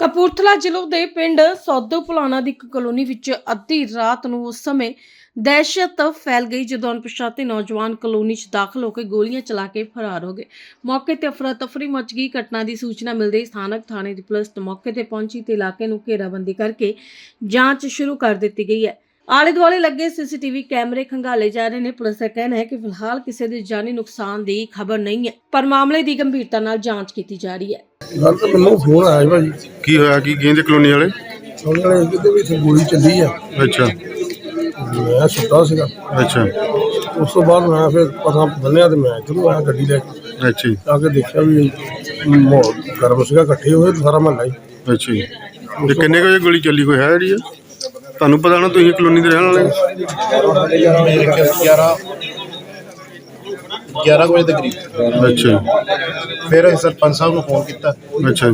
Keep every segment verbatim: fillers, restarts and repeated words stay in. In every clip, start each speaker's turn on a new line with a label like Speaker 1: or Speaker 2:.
Speaker 1: ਕਪੂਰਥਲਾ ਜ਼ਿਲ੍ਹੇ ਦੇ ਪਿੰਡ ਸੌਦੋ ਪੁਲਾਣਾ ਦੀ ਇੱਕ ਕਲੋਨੀ ਵਿੱਚ ਅੱਧੀ ਰਾਤ ਨੂੰ ਉਸ ਸਮੇਂ ਦਹਿਸ਼ਤ ਫੈਲ ਗਈ ਜਦੋਂ ਅਣਪਛਾਤੇ ਨੌਜਵਾਨ ਕਲੋਨੀ 'ਚ ਦਾਖਲ ਹੋ ਕੇ ਗੋਲੀਆਂ ਚਲਾ ਕੇ ਫਰਾਰ ਹੋ ਗਏ। ਮੌਕੇ ਤੇ ਅਫਰਾ ਤਫਰੀ ਮਚ ਗਈ। ਘਟਨਾ ਦੀ ਸੂਚਨਾ ਮਿਲਦੇ ਹੀ ਸਥਾਨਕ ਥਾਣੇ ਦੀ ਪੁਲਿਸ ਮੌਕੇ ਤੇ ਪਹੁੰਚੀ ਤੇ ਇਲਾਕੇ ਨੂੰ ਘੇਰਾਬੰਦੀ ਕਰਕੇ ਜਾਂਚ ਸ਼ੁਰੂ ਕਰ ਦਿੱਤੀ ਗਈ ਹੈ। ਆਲੇ ਦੁਆਲੇ ਲੱਗੇ ਸੀਸੀਟੀਵੀ ਕੈਮਰੇ ਖੰਗਾਲੇ ਜਾ ਰਹੇ ਨੇ। ਪੁਲਿਸ ਦਾ ਕਹਿਣਾ ਹੈ ਕਿ ਫਿਲਹਾਲ ਕਿਸੇ ਦੇ ਜਾਨੀ ਨੁਕਸਾਨ ਦੀ ਖਬਰ ਨਹੀਂ ਹੈ, ਪਰ ਮਾਮਲੇ ਦੀ ਗੰਭੀਰਤਾ ਨਾਲ ਜਾਂਚ ਕੀਤੀ ਜਾ ਰਹੀ ਹੈ।
Speaker 2: ਗੱਲ ਤਾਂ ਮੈਨੂੰ ਫੋਨ ਆਇਆ ਭਾਜੀ,
Speaker 3: ਕੀ ਹੋਇਆ? ਕੀ ਕਹਿੰਦੇ ਕਲੋਨੀ ਵਾਲੇ?
Speaker 2: ਉਹਨਾਂ ਨੇ ਕਿਤੇ ਵੀ ਇੱਥੇ ਗੋਲੀ ਚੱਲੀ ਆ।
Speaker 3: ਅੱਛਾ
Speaker 2: ਮੈਂ ਸੁੱਤਾ ਸੀਗਾ।
Speaker 3: ਅੱਛਾ
Speaker 2: ਉਸ ਤੋਂ ਬਾਅਦ ਮੈਂ ਫਿਰ ਪਤਾ ਬੰਨਿਆ ਤੇ ਮੈਂ ਇੱਧਰੋਂ ਆਇਆ ਗੱਡੀ ਲੈ ਕੇ।
Speaker 3: ਅੱਛਾ ਜੀ,
Speaker 2: ਆ ਕੇ ਦੇਖਿਆ ਵੀ ਮਾਹੌਲ ਗਰਮ ਸੀਗਾ, ਇਕੱਠੇ ਹੋਏ ਸਾਰਾ ਮਹੱਲਾ ਹੀ।
Speaker 3: ਅੱਛਾ ਜੀ। ਤੇ ਕਿੰਨੇ ਕੁ ਵਜੇ ਗੋਲੀ ਚੱਲੀ? ਕੋਈ ਹੈ ਜਿਹੜੀ ਆ ਤੁਹਾਨੂੰ ਪਤਾ ਨਾ, ਤੁਸੀਂ ਕਲੋਨੀ ਦੇ ਰਹਿਣ ਵਾਲੇ?
Speaker 4: ਗਿਆਰਾਂ ਗਿਆਰਾਂ ਵਜੇ ਦੇ ਕਰੀਬ।
Speaker 3: ਅੱਛਾ
Speaker 4: ਫਿਰ ਅਸੀਂ ਸਰਪੰਚ ਸਾਹਿਬ ਨੂੰ ਫੋਨ ਕੀਤਾ,
Speaker 3: ਅੱਛਾ।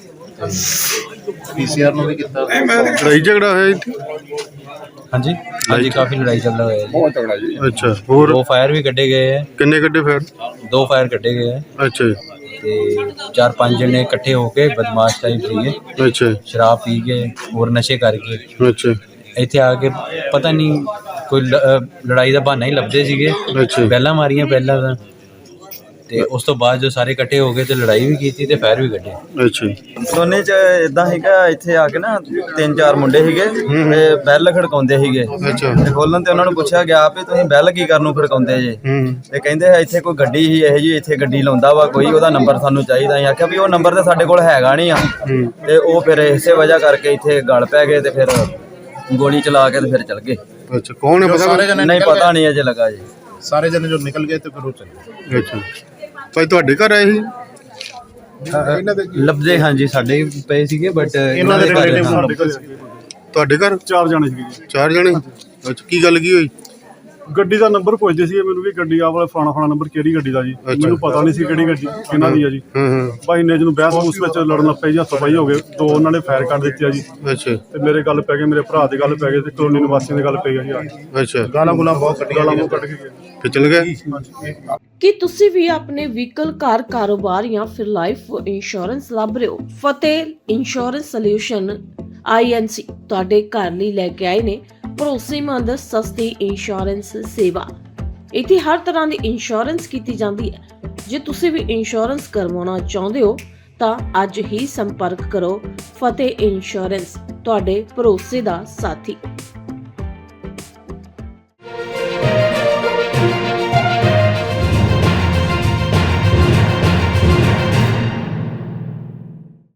Speaker 4: ਪੀਸੀਆਰ ਨੂੰ ਵੀ ਕੀਤਾ।
Speaker 3: ਲੜਾਈ ਝਗੜਾ ਹੋਇਆ ਇੱਥੇ?
Speaker 5: ਹਾਂਜੀ ਹਾਂਜੀ ਕਾਫੀ ਲੜਾਈ ਚੱਲ रहा है।
Speaker 3: ਬਹੁਤ ਤਗੜਾ ਜੀ। ਅੱਛਾ, ਹੋਰ
Speaker 5: दो फायर भी कटे गए हैं।
Speaker 3: ਕਿੰਨੇ ਕੱਢੇ ਫਿਰ?
Speaker 5: दो फायर कटे गए हैं
Speaker 3: ਅੱਛਾ ਜੀ,
Speaker 5: ਤੇ ਚਾਰ ਪੰਜ ਜਣੇ ਇਕੱਠੇ ਹੋ ਕੇ ਬਦਮਾਸ਼ ਟਾਈਪ ਸੀਗੇ,
Speaker 3: ਅੱਛਾ
Speaker 5: ਸ਼ਰਾਬ ਪੀ ਕੇ ਹੋਰ ਨਸ਼ੇ ਕਰਕੇ
Speaker 3: ਅੱਛਾ
Speaker 5: ਇੱਥੇ ਆ ਕੇ ਪਤਾ ਨਹੀਂ ਕੋਈ ਲ- ਅਹ ਲੜਾਈ ਦਾ ਬਹਾਨਾ ਹੀ ਲੱਭਦੇ ਸੀਗੇ।
Speaker 3: ਅੱਛਾ
Speaker 5: ਪਹਿਲਾਂ ਮਾਰੀਆਂ ਪਹਿਲਾਂ ਤਾਂ, ਤੇ ਉਸ ਤੋਂ ਬਾਅਦ ਜੋ ਸਾਰੇ ਇਕੱਠੇ ਹੋ ਗਏ ਤੇ ਲੜਾਈ ਵੀ ਕੀਤੀ ਤੇ ਫਾਇਰ ਵੀ ਕੱਢੇ।
Speaker 3: ਅੱਛਾ ਜੀ।
Speaker 6: ਕਲੋਨੀ ਚ ਇਦਾਂ ਸੀਗਾ, ਇੱਥੇ ਆ ਕੇ ਨਾ ਤਿੰਨ ਚਾਰ ਮੁੰਡੇ ਸੀਗੇ ਤੇ ਬੈਲ ਖੜਕਾਉਂਦੇ ਸੀਗੇ।
Speaker 3: ਅੱਛਾ
Speaker 6: ਤੇ ਖੋਲਣ ਤੇ ਉਹਨਾਂ ਨੂੰ ਪੁੱਛਿਆ ਗਿਆ ਵੀ ਤੁਸੀਂ ਬੈਲ ਕੀ ਕਰਨ ਨੂੰ ਖੜਕਾਉਂਦੇ ਜੇ?
Speaker 3: ਹੂੰ
Speaker 6: ਤੇ ਕਹਿੰਦੇ ਇੱਥੇ ਕੋਈ ਗੱਡੀ ਸੀ ਇਹ ਜੀ, ਇੱਥੇ ਗੱਡੀ ਲਾਉਂਦਾ ਵਾ ਕੋਈ, ਉਹਦਾ ਨੰਬਰ ਸਾਨੂੰ ਚਾਹੀਦਾ। ਅਸੀਂ ਆਖਿਆ ਵੀ ਉਹ ਨੰਬਰ ਤੇ ਸਾਡੇ ਕੋਲ ਹੈਗਾ ਨਹੀਂ ਆ। ਤੇ ਉਹ ਫਿਰ ਇਸੇ ਵਜ੍ਹਾ ਕਰਕੇ ਇੱਥੇ ਗਲ ਪੈ ਗਏ ਤੇ ਫਿਰ ਗੋਲੀ ਚਲਾ ਕੇ ਤੇ ਫਿਰ ਚਲ ਗਏ।
Speaker 3: ਅੱਛਾ, ਕੌਣ ਹੈ ਪਤਾ?
Speaker 4: ਸਾਰੇ ਜਣੇ
Speaker 6: ਨਹੀਂ ਪਤਾ ਨਹੀਂ ਅਜੇ ਲੱਗਾ ਜੀ।
Speaker 4: ਸਾਰੇ ਜਣੇ ਜੋ ਨਿਕਲ ਗਏ ਤੇ ਫਿਰ ਉਹ ਚਲੇ।
Speaker 3: ਅੱਛਾ ਭਾਈ, ਤੁਹਾਡੇ ਘਰ ਆਏ ਸੀ?
Speaker 4: ਇਹਨਾਂ ਦੇ
Speaker 5: ਲੱਭਦੇ ਹਾਂਜੀ ਸਾਡੇ ਵੀ ਪਏ ਸੀਗੇ, ਬਟ
Speaker 4: ਇਹਨਾਂ ਦੇ ਰਿਲੇਟਿਵ ਸਾਡੇ ਕੋਲ
Speaker 3: ਤੁਹਾਡੇ ਘਰ
Speaker 7: ਚਾਰ ਜਾਣੇ ਸੀਗੇ।
Speaker 3: ਚਾਰ ਜਣੇ? ਅੱਛਾ, ਕੀ ਗੱਲ ਕੀ ਹੋਈ?
Speaker 7: ਗੱਡੀ ਦਾ ਨੰਬਰ ਪੁੱਛਦੇ ਸੀ ਮੈਨੂੰ ਵੀ ਗੱਡੀ ਆ ਵਾਲਾ ਫਲਾਣਾ ਫਲਾਣਾ ਨੰਬਰ ਕਿਹੜੀ ਗੱਡੀ ਦਾ ਜੀ। ਮੈਨੂੰ ਪਤਾ ਨਹੀਂ ਸੀ ਕਿਹੜੀ ਗੱਡੀ ਕਿਹਨਾਂ ਦੀ ਆ ਜੀ।
Speaker 3: ਹਾਂ ਹਾਂ
Speaker 7: ਬਾਈ ਨੇ ਜਿਹਨੂੰ ਬਹਿਸ ਉਸ ਵਿੱਚ ਲੜਨ ਲੱਗ ਪਏ ਜੀ, ਹੱਥੋਂ ਪਾਈ ਹੋ ਗਏ। ਦੋ ਉਹਨਾਂ ਨੇ ਫਾਇਰ ਕਰ ਦਿੱਤੇ ਆ ਜੀ
Speaker 3: ਅੱਛਾ
Speaker 7: ਤੇ ਮੇਰੇ ਗੱਲ ਪੈ ਗਏ, ਮੇਰੇ ਭਰਾ ਦੇ ਗੱਲ ਪੈ ਗਏ ਤੇ ਕਲੋਨੀ ਨਿਵਾਸੀਆਂ ਦੇ ਗੱਲ ਪੈ ਗਈ ਜੀ।
Speaker 3: ਅੱਛਾ,
Speaker 4: ਗਾਲਾਂ ਗੁਲਾਂ ਬਹੁਤ ਕੱਢੀਆਂ
Speaker 7: ਗਾਲਾਂ ਮੂੰਹ ਕੱਢ ਕੇ ਗਏ।
Speaker 3: ਤੇ ਚਲ ਗਏ?
Speaker 1: ਕੀ ਤੁਸੀਂ ਵੀ ਆਪਣੇ ਵਹੀਕਲ, ਘਰ, ਕਾਰੋਬਾਰ ਜਾਂ ਫਿਰ ਲਾਈਫ ਇੰਸ਼ੋਰੈਂਸ ਲੱਭ ਰਹੇ ਹੋ? ਫਤਿਹ ਇੰਸ਼ੋਰੈਂਸ ਸੋਲਿਊਸ਼ਨ ਆਈ ਐਨ ਸੀ ਤੁਹਾਡੇ ਘਰ ਲਈ ਲੈ ਕੇ ਆਏ ਨੇ ਭਰੋਸੇਮੰਦ ਸਸਤੀ ਇੰਸ਼ੋਰੈਂਸ ਸੇਵਾ। ਇੱਥੇ ਹਰ ਤਰ੍ਹਾਂ ਦੀ ਇੰਸ਼ੋਰੈਂਸ ਕੀਤੀ ਜਾਂਦੀ ਹੈ। ਜੇ ਤੁਸੀਂ ਵੀ ਇੰਸ਼ੋਰੈਂਸ ਕਰਵਾਉਣਾ ਚਾਹੁੰਦੇ ਹੋ ਤਾਂ ਅੱਜ ਹੀ ਸੰਪਰਕ ਕਰੋ। ਫਤਿਹ ਇੰਸ਼ੋਰੈਂਸ ਤੁਹਾਡੇ ਭਰੋਸੇ ਦਾ ਸਾਥੀ।